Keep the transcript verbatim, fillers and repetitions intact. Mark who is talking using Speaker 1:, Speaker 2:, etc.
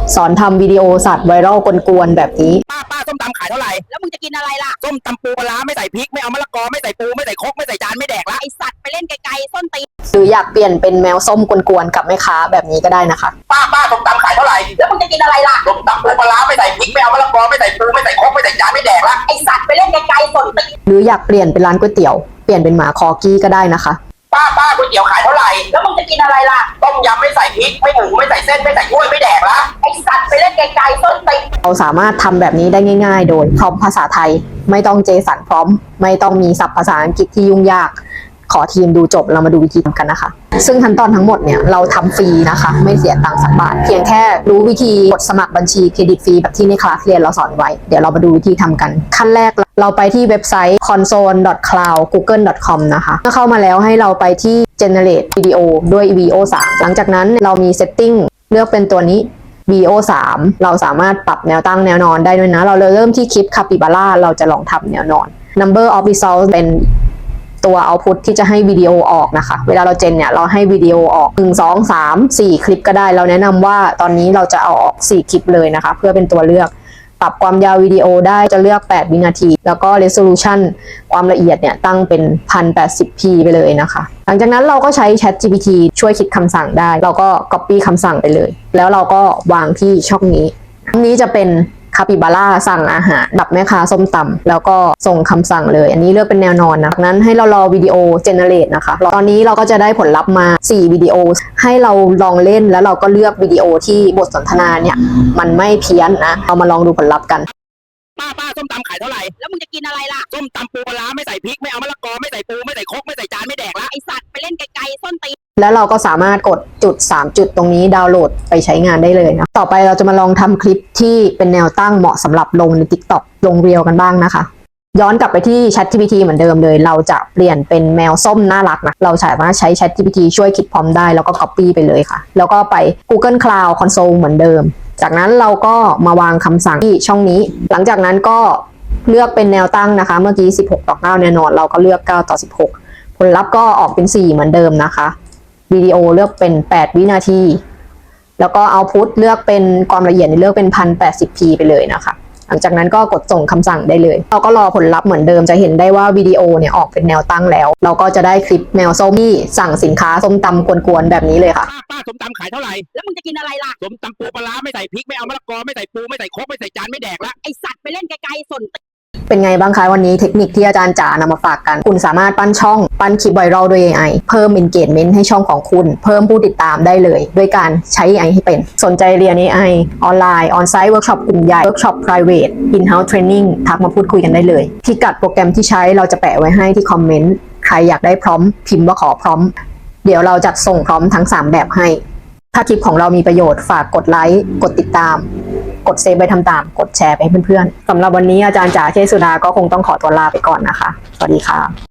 Speaker 1: สอนทำวิดีโอสัตว์ไวรัลกวนๆแบบนี้
Speaker 2: ป้าป้าส้มตำขายเท่าไหร่
Speaker 3: แล้วมึงจะกินอะไรล่ะ
Speaker 2: ส้มตำปูปลาไม่ใส่พริกไม่เอามะละกอไม่ใส่ปูไม่ใส่ครกไม่ใส่จานไม่แดกละ
Speaker 3: ไอสัตว์ไปเล่นไกลๆส้นตีน
Speaker 1: หรืออยากเปลี่ยนเป็นแมวส้มกวนๆกับแม่ค้าแบบนี้ก็ได้นะคะ
Speaker 2: ป้าป้าส้มตำขายเท่าไหร่
Speaker 3: แล้วมึงจะกินอะไรล่ะ
Speaker 2: ส้มตำปูปลาไม่ใส่พริกไม่เอามะละกอไม่ใส่ปูไม่ใส่ครกไม่ใส่จานไม่แดกละ
Speaker 3: ไอสัตว์ไปเล่นไกลๆส้นตีน
Speaker 1: หรืออยากเปลี่ยนเป็นร้านก๋วยเตี๋ยวเปลี่ยนเป็นหมาคอกี้ก็ได้นะคะ
Speaker 2: ป้าป้าก๋วยเตี๋ยวขายเท่าไหร่
Speaker 3: แล้วมึงจะกินอะไรล่ะ
Speaker 2: ต้มยำไม่ใส่พริกไม่หมูไม่ใส่เส้นไม่ใส่กล้วยไม่แดกละ
Speaker 3: ไอสัตว์ไปเล่นไกลๆส้นตีน
Speaker 1: เราสามารถทำแบบนี้ได้ง่ายๆโดยพร้อมภาษาไทยไม่ต้องเจสันพร้อมไม่ต้องมีศัพท์ภาษาอังกฤษที่ยุ่งยากขอทีมดูจบเรามาดูวิธีทำกันนะคะซึ่งขั้นตอนทั้งหมดเนี่ยเราทำฟรีนะคะไม่เสียตังค์สักบาทเพียงแค่รู้วิธีกดสมัครบัญชีเครดิตฟรีแบบที่ในคลาสเรียนเราสอนไว้เดี๋ยวเรามาดูวิธีทำกันขั้นแรกเราไปที่เว็บไซต์ คอนโซล ดอท คลาวด์ กูเกิล ดอท คอม นะคะเมื่อเข้ามาแล้วให้เราไปที่ generate video ด้วย วี โอ ทรี หลังจากนั้นเรามี setting เลือกเป็นตัวนี้ วี โอ ทรี เราสามารถปรับแนวตั้งแนวนอนได้ด้วยนะเราเริ่มที่คลิป Capybara เราจะลองทำแนวนอน number of results เป็นตัว output ที่จะให้วิดีโอออกนะคะเวลาเราเจนเนี่ยเราให้วิดีโอออกหนึ่ง สอง สาม สี่คลิปก็ได้เราแนะนำว่าตอนนี้เราจะเอาออกสี่คลิปเลยนะคะเพื่อเป็นตัวเลือกปรับความยาววิดีโอได้จะเลือกแปดวินาทีแล้วก็ resolution ความละเอียดเนี่ยตั้งเป็น หนึ่งพันแปดสิบพี ไปเลยนะคะหลังจากนั้นเราก็ใช้ ChatGPT ช่วยคิดคำสั่งได้เราก็ copy คำสั่งไปเลยแล้วเราก็วางที่ช่องนี้ช่องนี้จะเป็นคาปิบาร่าสั่งอาหารดับแม่ค้าส้มตำแล้วก็ส่งคำสั่งเลยอันนี้เลือกเป็นแนวนอนนะนั้นให้เรารอวิดีโอเจเนเรตนะคะตอนนี้เราก็จะได้ผลลัพธ์มาสี่วิดีโอให้เราลองเล่นแล้วเราก็เลือกวิดีโอที่บทสนทนาเนี่ยมันไม่เพี้ยนนะเรามาลองดูผลลัพธ์กัน
Speaker 2: ป้าป้าส้มตำขายเท่าไหร่
Speaker 3: แล้วมึงจะกินอะไรล่ะ
Speaker 2: ส้มตำปูปลาไม่ใส่พริกไม่เอามะละกอไม่ใส่ปูไม่ใส่ครกไม่ใส่จานไม่แดกละ
Speaker 3: ไอสัตว์ไปเล่นไกลๆส้นตีน
Speaker 1: แล้วเราก็สามารถกดจุดสามจุดตรงนี้ดาวน์โหลดไปใช้งานได้เลยนะต่อไปเราจะมาลองทำคลิปที่เป็นแนวตั้งเหมาะสำหรับลงใน TikTok ลงเรียลกันบ้างนะคะย้อนกลับไปที่ ChatGPT เหมือนเดิมเลยเราจะเปลี่ยนเป็นแมวส้มน่ารักนะเราสามารถใช้ ChatGPT ช่วยคิดพร้อมได้แล้วก็ Copy ไปเลยค่ะแล้วก็ไป Google Cloud Console เหมือนเดิมจากนั้นเราก็มาวางคำสั่งที่ช่องนี้หลังจากนั้นก็เลือกเป็นแนวตั้งนะคะเมื่อกี้สิบหกต่อเก้าแน่นอนเราก็เลือกเก้าต่อสิบหกผลลัพธ์ก็ออกเป็นสี่เหมือนเดิมนะคะวิดีโอเลือกเป็นแปดวินาทีแล้วก็เอาพุทเลือกเป็นความละเอียดเลือกเป็น หนึ่งพันแปดสิบพี ไปเลยนะคะหลังจากนั้นก็กดส่งคำสั่งได้เลยเราก็รอผลลัพธ์เหมือนเดิมจะเห็นได้ว่าวิดีโอเนี่ยออกเป็นแนวตั้งแล้วเราก็จะได้คลิปแมวส้มที่สั่งสินค้าส้มตำกวนๆแบบนี้เลยค่ะ
Speaker 2: ป้าป้าส้มตำขายเท่าไหร่
Speaker 3: แล้วมึงจะกินอะไรล่ะ
Speaker 2: ส้มตำปูปลาไม่ใส่พริกไม่เอามะละกอไม่ใส่ปูไม่ใส่ครกไม่ใส่จานไม่แดกละ
Speaker 3: ไอสัตว์ไปเล่นไกลๆส้น
Speaker 1: เป็นไงบ้างคะวันนี้เทคนิคที่อาจารย์จ๋านำมาฝากกันคุณสามารถปั้นช่องปั้นคลิปไวรัลด้วย เอ ไอ เพิ่ม engagement ให้ช่องของคุณเพิ่มผู้ติดตามได้เลยด้วยการใช้ เอ ไอ ให้เป็นสนใจเรียน เอ ไอ ออนไลน์ออนไซต์เวิร์กช็อปกลุ่มใหญ่เวิร์กช็อป private in-house training ทักมาพูดคุยกันได้เลยพิกัดโปรแกรมที่ใช้เราจะแปะไว้ให้ที่คอมเมนต์ใครอยากได้พร้อมพิมพ์ว่าขอพร้อมเดี๋ยวเราจัดส่งพร้อมทั้งสามแบบให้ถ้าคลิปของเรามีประโยชน์ฝากกดไลค์กดติดตามกดเซฟไปทำตามกดแชร์ไปให้เพื่อนๆสำหรับวันนี้อาจารย์จ๋าเชษสุดาก็คงต้องขอตัวลาไปก่อนนะคะสวัสดีค่ะ